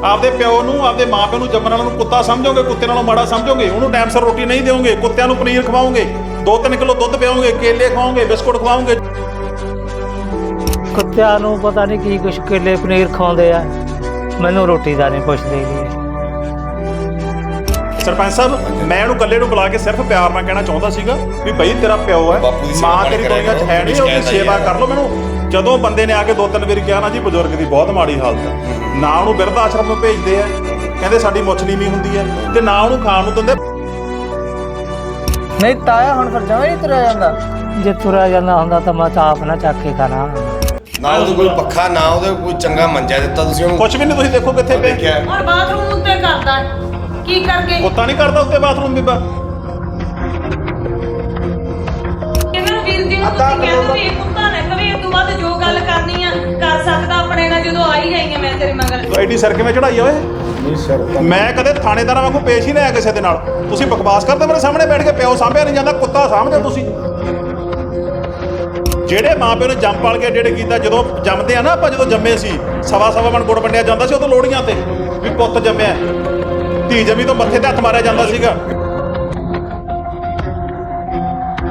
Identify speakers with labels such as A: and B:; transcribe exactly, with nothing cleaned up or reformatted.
A: ਆਪਦੇ ਪਿਓ ਨੂੰ ਆਪਦੇ ਮਾਂ ਪਿਓ ਨੂੰ ਜੰਮਣ ਵਾਲਿਆਂ ਨੂੰ ਕੁੱਤਾ ਸਮਝੋਗੇ, ਕੁੱਤੇ ਨਾਲੋਂ ਮਾੜਾ ਸਮਝੋਗੇ, ਉਹਨੂੰ ਟਾਈਮ ਸਿਰ ਰੋਟੀ ਨਹੀਂ ਦਿਓਗੇ, ਕੁੱਤਿਆਂ ਨੂੰ ਪਨੀਰ ਖਵਾਓਗੇ, ਦੋ ਤਿੰਨ ਕਿਲੋ ਦੁੱਧ ਪਿਆਓਗੇ, ਕੇਲੇ ਖਵਾਓਗੇ, ਬਿਸਕੁਟ ਖਵਾਓਗੇ।
B: ਕੁੱਤਿਆਂ ਨੂੰ ਪਤਾ ਨਹੀਂ ਕੀ ਕੁਛ ਕੇਲੇ ਪਨੀਰ ਖਵਾਉਂਦੇ ਆ, ਮੈਨੂੰ ਰੋਟੀ ਦਾ ਨਹੀਂ ਪੁੱਛਦੇ ਜੀ।
A: ਸਰਪੰਚ ਸਾਹਿਬ ਮੈਂ ਉਹਨੂੰ ਇਕੱਲੇ ਨੂੰ ਬੁਲਾ ਕੇ ਸਿਰਫ ਪਿਆਰ ਨਾਲ ਕਹਿਣਾ ਚਾਹੁੰਦਾ ਸੀਗਾ ਵੀ ਬਈ ਤੇਰਾ ਪਿਓ ਹੈ, ਮਾਂ ਤੇਰੀ ਦੁਨੀਆ 'ਚ ਹੈ ਨਹੀਂ, ਉਹਦੀ ਸੇਵਾ ਕਰ ਲਓ। ਮੈਨੂੰ ਜਦੋਂ ਬੰਦੇ ਨੇ ਆ ਕੇ ਦੋ ਤਿੰਨ ਵਾਰੀ ਕਿਹਾ ਨਾ ਜੀ ਬਜ਼ੁਰਗ ਦੀ ਬਹੁਤ ਮਾੜੀ ਹਾਲਤ ਹੈ, ਨਾ ਉਹਨੂੰ ਬਿਰਧ ਆਸ਼ਰਮ ਨੂੰ ਭੇਜਦੇ ਆ, ਕਹਿੰਦੇ ਸਾਡੀ ਮੁੱਛ ਨੀਵੀਂ ਹੁੰਦੀ ਹੈ, ਤੇ ਨਾ ਉਹਨੂੰ ਖਾਣ ਨੂੰ ਦਿੰਦੇ।
C: ਨਹੀਂ ਤਾਇਆ ਹੁਣ ਫਿਰ ਜਮਾਂ ਨਹੀਂ ਤੁਰਿਆ ਜਾਂਦਾ।
B: ਜੇ ਤੁਰਿਆ ਜਾਂਦਾ ਹੁੰਦਾ ਤਾਂ ਮੈਂ ਤਾਂ ਆਪ ਨਾ ਚੱਕ ਕੇ ਖਾਣਾ।
D: ਨਾ ਉਹਦੇ ਕੋਲ ਪੱਖਾ, ਨਾ ਉਹਦੇ ਕੋਈ ਚੰਗਾ ਮੰਜਾ ਦਿੱਤਾ ਤੁਸੀਂ ਉਹਨੂੰ।
A: ਕੁਛ ਵੀ ਨਹੀਂ, ਤੁਸੀਂ ਦੇਖੋ ਕਿੱਥੇ ਪਏ।
E: ਔਰ ਬਾਥਰੂਮ ਉੱਤੇ ਕਰਦਾ ਕੀ ਕਰਕੇ?
A: ਕੁੱਤਾ ਨਹੀਂ ਕਰਦਾ ਉੱਤੇ ਬਾਥਰੂਮ ਬੀਬਾ।
E: ਇਹਨਾਂ ਨੂੰ ਵੀਰ ਜੀ ਨੂੰ ਤੁਸੀਂ ਕਹਿੰਦੇ ਵੀ ਇਹ ਕੁੱਤਾ ਨਾ ਕਵੇ, ਇਹ ਤੋਂ ਬਾਅਦ ਜੋ ਗੱਲ ਕਰਨੀ ਆ ਕਰ ਸਕਦਾ ਆਪਣੇ ਨਾਲ। ਜਦੋਂ ਆਈ ਜਾਈਆਂ ਮੈਂ ਤੇਰੇ ਮਗਰ।
A: ਐਡੀ ਸਰ ਕਿਵੇਂ ਚੜਾਈ ਓਏ?
D: ਨਹੀਂ ਸਰ,
A: ਮੈਂ ਕਦੇ ਥਾਣੇਦਾਰਾਂ ਵਾਂਗੂ ਪੇਸ਼ ਹੀ ਨਹੀਂ ਆਇਆ ਕਿਸੇ ਦੇ ਨਾਲ। ਤੁਸੀਂ ਬਕਵਾਸ ਕਰਦੇ ਮੇਰੇ ਸਾਹਮਣੇ ਬੈਠ ਕੇ, ਪਿਓ ਸਾਂਭਿਆ ਨਹੀਂ ਜਾਂਦਾ, ਕੁੱਤਾ ਸਾਂਭਦੇ ਤੁਸੀਂ। ਜਿਹੜੇ ਮਾਂ ਪਿਓ ਨੇ ਜੰਮ ਪਾਲ ਕੇ ਜਿਹੜੇ ਕੀਤਾ, ਜਦੋਂ ਜੰਮਦੇ ਆ ਨਾ ਆਪਾਂ, ਜਦੋਂ ਜੰਮੇ ਸੀ ਸਵਾ ਸਵਾ ਮਣ ਗੁੜ ਵੰਡਿਆ ਜਾਂਦਾ ਸੀ ਉਦੋਂ ਲੋਹੜੀਆਂ ਤੇ ਵੀ ਪੁੱਤ ਜੰਮਿਆ, ਧੀ ਜੰਮੀ ਤੋਂ ਮੱਥੇ ਤੇ ਹੱਥ ਮਾਰਿਆ ਜਾਂਦਾ ਸੀਗਾ।